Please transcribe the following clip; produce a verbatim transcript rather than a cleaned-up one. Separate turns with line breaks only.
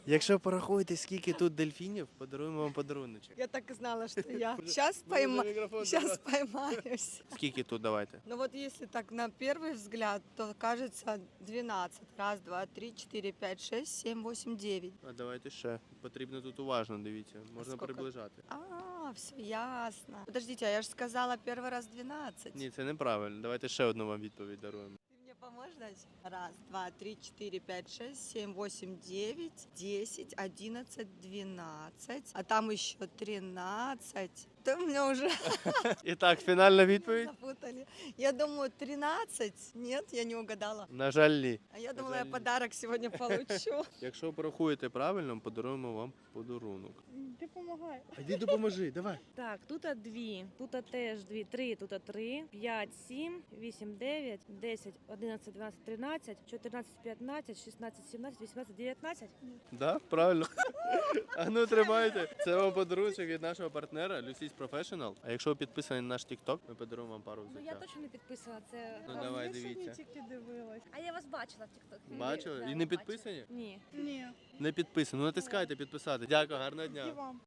Якщо порахуєте, скільки тут дельфінів, подаруємо вам подаруночок.
Я так и знала, что я сейчас пойма... сейчас поймаюсь.
Скільки тут, давайте?
Ну вот если так на первый взгляд, то кажется двенадцать. Раз, два, три, четыре, пять, шесть, семь, восемь, девять.
А давайте ще. Потрібно тут уважно, дивіться. Можна
Скільки?
приближати.
А, все ясно. Подождите, а я же сказала первый раз двенадцать.
Ні, це неправильно. Давайте ще одну вам відповідь даруємо.
Ты мне поможешь дать? Раз, два, три, четыре, пять, шесть, семь, восемь, девять, десять, одиннадцать, двенадцать. А там еще тринадцать. Да меня уже
І так, фінальна відповідь?
запутали. Я думаю, тринадцать. Нет, я не угадала.
На жаль, ні.
А я думала, я
жаль.
подарок сегодня получу.
Якщо порахуєте правильно, подаруємо вам подарунок.
Ты помогай.
А йди допоможи, давай.
Так, тут дві, тут теж дві, три, тут три, п'ять, сім, вісім, дев'ять, десять, одинадцять, дванадцять, тринадцять, чотирнадцять, п'ятнадцять, шістнадцять, сімнадцять, вісімнадцять, дев'ятнадцять.
Да, правильно. А ну тримайте. Це вам подарунок від нашого партнера Lucy's Professional. А якщо ви підписані на наш TikTok, ми подаруємо вам пару
Ну я
взуття.
точно не підписана, це...
Ну давай, дивіться.
А я вас бачила в TikTok.
Бачили?
Да,
І не
бачила.
підписані?
Ні.
Ні.
Не підписані. Ну натискайте підписати. Дякую, гарного дня.
вам.